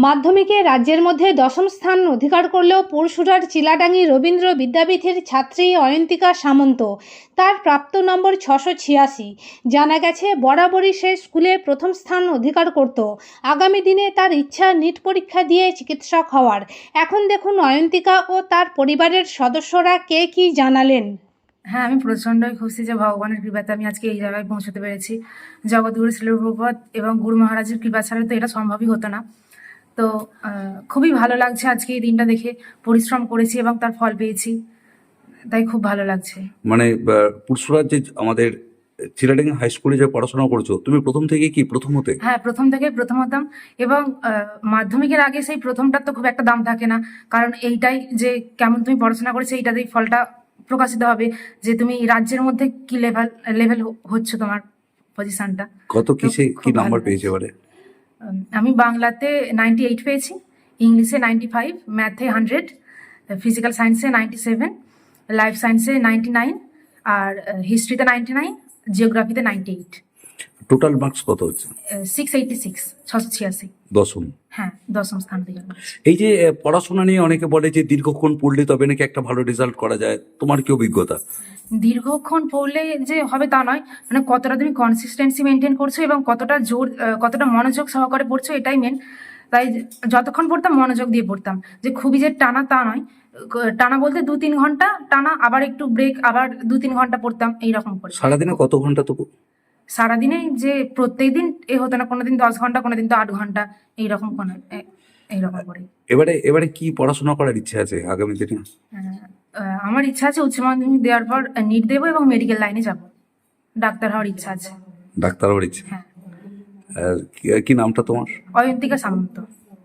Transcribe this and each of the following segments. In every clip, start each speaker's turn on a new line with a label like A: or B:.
A: মাধ্যমিকে রাজ্যের মধ্যে দশম স্থান অধিকার করলেও পরশুরার চিলাডাঙ্গি রবীন্দ্র বিদ্যাপীঠের ছাত্রী অয়ন্তিকা সামন্ত। তার প্রাপ্ত নম্বর 686। জানা গেছে বরাবরই সে স্কুলে প্রথম স্থান অধিকার করত। আগামী দিনে তার ইচ্ছা নিট পরীক্ষা দিয়ে চিকিৎসক হওয়ার। এখন দেখুন অয়ন্তিকা ও তার পরিবারের সদস্যরা কে কী জানালেন।
B: হ্যাঁ, আমি প্রচণ্ডই খুশি যে ভগবানের কৃপাতে আমি আজকে এই জায়গায় পৌঁছতে পেরেছি। জগৎগুরু শিল প্রভুপাদ এবং গুরু মহারাজের কৃপা ছাড়া তো এটা সম্ভবই হতো না। তো খুবই ভালো লাগছে আজকে এই দিনটা দেখে। পরিশ্রম করেছি এবং তার ফল পেয়েছি, তাই খুব ভালো লাগছে।
C: মানে পুরসুরার যে আমাদের চিলাডাঙ্গি হাই স্কুলে যে পড়াশোনা করছো, তুমি প্রথম থেকে কি প্রথম হতে?
B: হ্যাঁ, প্রথম থেকে প্রথম হতাম। এবং মাধ্যমিকের আগে সেই প্রথমটার তো খুব একটা দাম থাকে না, কারণ এইটাই যে কেমন তুমি পড়াশোনা করেছো এইটাতেই ফলটা প্রকাশিত হবে যে তুমি রাজ্যের মধ্যে কি লেভেল হচ্ছে তোমার পজিশনটা।
C: কত কিসে কি
B: খুব
C: নাম্বার
B: ভালো
C: পেয়েছে এবারে?
B: আমি বাংলাতে 98 পেয়েছি, ইংলিশে 95, ম্যাথে 100, ফিজিক্যাল সায়েন্সে 97, লাইফ সায়েন্সে 99, আর হিস্ট্রিতে 99, জিওগ্রাফিতে 98।
C: টোটাল মার্কস কত হচ্ছে?
B: 686, 686।
C: দশম।
B: হ্যাঁ, দশম স্থান অধিকার করেছি।
C: এই যে পড়াশোনা নিয়ে অনেকে বলে যে দীর্ঘক্ষণ পড়লে তবে নাকি একটা ভালো রেজাল্ট করা যায়, তোমার কি অভিজ্ঞতা?
B: দীর্ঘক্ষণ পড়লে যে হবে তা নয়, মানে কতটা তুমি কনসিস্টেন্সি মেনটেন করছো এবং কতটা জোর কতটা মনোযোগ সহকারে পড়ছো, এটাই মেন। তাই যতক্ষণ পড়তাম মনোযোগ দিয়ে পড়তাম, যে খুবই যে টানা তা নয়। টানা বলতে 2-3 ঘন্টা টানা, আবার একটু ব্রেক, আবার 2-3 ঘন্টা পড়তাম, এইরকম করে।
C: সারাদিনে কত ঘন্টা তবু?
B: সারাদিনে যে প্রত্যেকদিন এ হতো না, কোনোদিন 10 ঘন্টা, কোনোদিন তো 8 ঘন্টা, এইরকম এইরকম করে।
C: এবারে কি পড়াশোনা করার ইচ্ছে আছে আগামী দিনে?
B: আমার ইচ্ছা আছে উচ্চ মাধ্যমিক দেওয়ার পর নিট দেবো এবং মেডিকেল লাইনে যাব, ডাক্তার হওয়ার ইচ্ছা আছে।
C: ডাক্তার হওয়ার ইচ্ছে?
B: হ্যাঁ।
C: কি নামটা তোমার?
B: অয়ন্তিকা সামন্ত।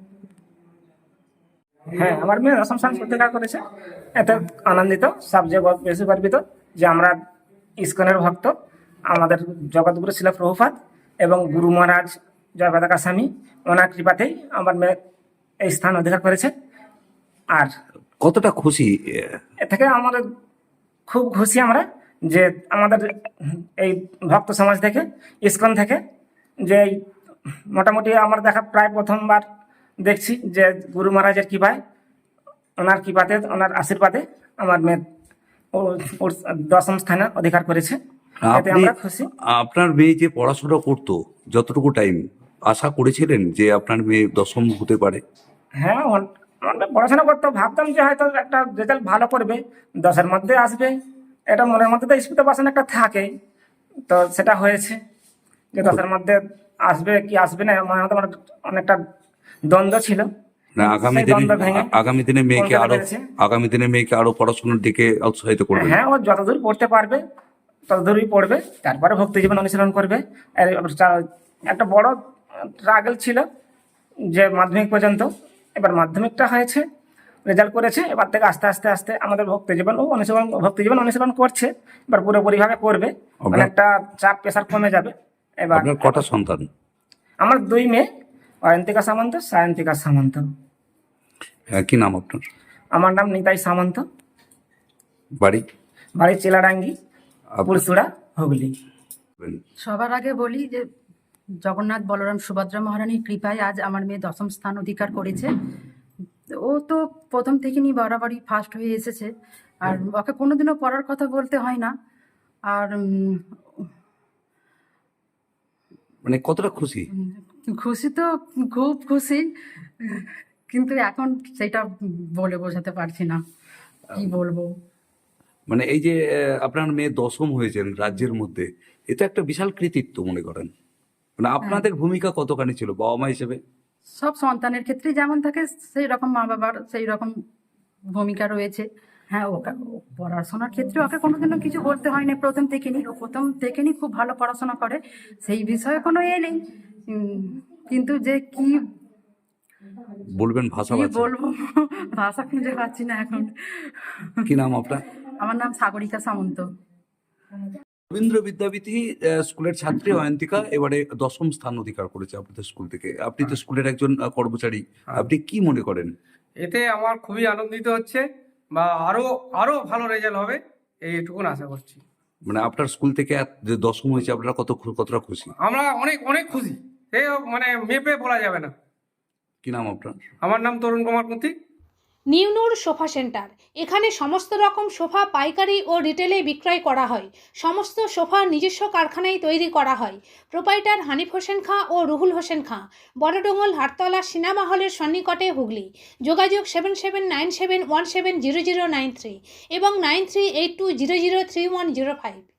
D: হ্যাঁ, আমার মেয়ে দশম স্থান অধিকার করেছে। এতে আনন্দিত, সবচেয়ে বেশি গর্বিত যে আমরা ইস্কনের ভক্ত, আমাদের জগৎগুরু শিল প্রভুপাদ এবং গুরু মহারাজ জয় পতাকা স্বামী, ওনার কৃপাতেই আমার মেয়ে এই স্থান অধিকার করেছে। আর
C: কতটা খুশি?
D: এ থেকে আমাদের খুব খুশি আমরা যে আমাদের এই ভক্ত সমাজ থেকে, ইস্কন থেকে, যে এই মোটামুটি আমার দেখা প্রায় প্রথমবার দেখছি যে গুরু মহারাজের কৃপায়, ওনার কৃপাতে, ওনার আশীর্বাদে আমার মেয়ে ওর দশম স্থানে অধিকার করেছে। এতে আমরা খুশি।
C: আপনার মেয়ে যে পড়াশোনা করতো, যতটুকু টাইম আশা করেছিলেন যে আপনার মেয়ে দশম হতে পারে?
D: হ্যাঁ, আমরা পড়াশোনা করতে ভাবতাম যে হয়তো একটা রেজাল্ট ভালো করবে, 10-এর মধ্যে আসবে, এটা মনের মধ্যে তো এক্সপেকটেশন একটা থাকে। তো সেটা হয়েছে যে 10-এর মধ্যে আসবে কি আসবে না, মনের মধ্যে অনেকটা দ্বন্দ্ব ছিল।
C: না,
D: সেই দ্বন্দ্ব ভেঙে
C: আগামী দিনে মেয়েকে আরো পড়াশোনার দিকে উৎসাহিত করবে?
D: হ্যাঁ, ও যতদূর পড়তে পারবে ততদূরই পড়বে, তারপরে ভক্তি জীবন অনুশীলন করবে। আর একটা বড় স্ট্রাগল ছিল যে মাধ্যমিক পর্যন্ত, এবার মাধ্যমিকটা হয়েছে, রেজাল্ট করেছে, এবার থেকে আস্তে আস্তে আস্তে আমাদের ভক্তি জীবন অনুশীলন করছে। এবার পুরোপুরিভাবে করবে, অনেকটা চাপ প্রেশার কমে যাবে। এবার
C: আপনার কটা সন্তান?
D: আমার 2 মেয়ে, অয়ন্তিকা সামন্ত, সায়ন্তিকা সামন্ত।
C: কি নাম আপনার?
D: আমার নাম নিতাই সামন্ত, বাড়ি চিলাডাঙ্গি, পুরসুরা, হুগলি।
E: সবার আগে বলি যে জগন্নাথ বলরাম সুভদ্রা মহারানীর কৃপায় আজ আমার মেয়ে দশম স্থান অধিকার করেছে। ও তো প্রথম থেকে নিয়ে বরাবরই ফার্স্ট হয়ে এসেছে, আর ওকে কোনোদিনও পড়ার কথা বলতে হয় না। আর
C: মানে কতটা খুশি?
E: খুশি তো খুব খুশি, কিন্তু এখন সেটা বলে বোঝাতে পারছি না, কি বলবো।
C: মানে এই যে আপনার মেয়ে দশম হয়েছেন রাজ্যের মধ্যে, এটা একটা বিশাল কৃতিত্ব মনে করেন? মানে আপনাদের ভূমিকা কতখানি ছিল বাবা মা হিসেবে?
E: সব সন্তানের ক্ষেত্রে যেমন থাকে সেই রকম মা বাবার সেই রকম ভূমিকা রয়েছে। হ্যাঁ, ওকে পড়াশোনার ক্ষেত্রে ওকে কোনোদিনও কিছু বলতে হয়নি, প্রথম থেকে নি খুব ভালো পড়াশোনা করে, সেই বিষয়ে কোনো নেই। কিন্তু যে কি
C: বলবেন, ভাষা পাচ্ছেন?
E: বলবো, ভাষা খুঁজে পাচ্ছি না এখন।
C: কি নাম আপনার?
E: আমার নাম সাগরিকা সামন্ত।
C: রবীন্দ্র বিদ্যাপীঠে স্কুলের ছাত্রী অয়ন্তিকা এবারে দশম স্থান অধিকার করেছে আপনাদের স্কুল থেকে। আপনি তো স্কুলের একজন কর্মচারী, আপনি কি মনে করেন?
F: এতে আমার খুবই আনন্দিত হচ্ছে, বা আরো আরো ভালো রেজাল্ট হবে এইটুকুন আশা করছি।
C: মানে আপনার স্কুল থেকে যে দশম হয়েছে, আপনারা কতটা খুশি?
F: আমরা অনেক অনেক খুশি, মানে মেপে বলা যাবে না।
C: কি নাম আপনার?
F: আমার নাম তরুণ কুমার কুন্তি।
A: নিউনুর সোফা সেন্টার, এখানে সমস্ত রকম সোফা পাইকারি ও রিটেলে বিক্রয় করা হয়। সমস্ত সোফা নিজস্ব কারখানায় তৈরি করা হয়। প্রোপাইটার হানিফ হোসেন খাঁ ও রুহুল হোসেন খাঁ, বড়ডোঙ্গল হাটতলা সিনেমা হলের সন্নিকটে, হুগলি। যোগাযোগ 7797170093 এবং 9382003105।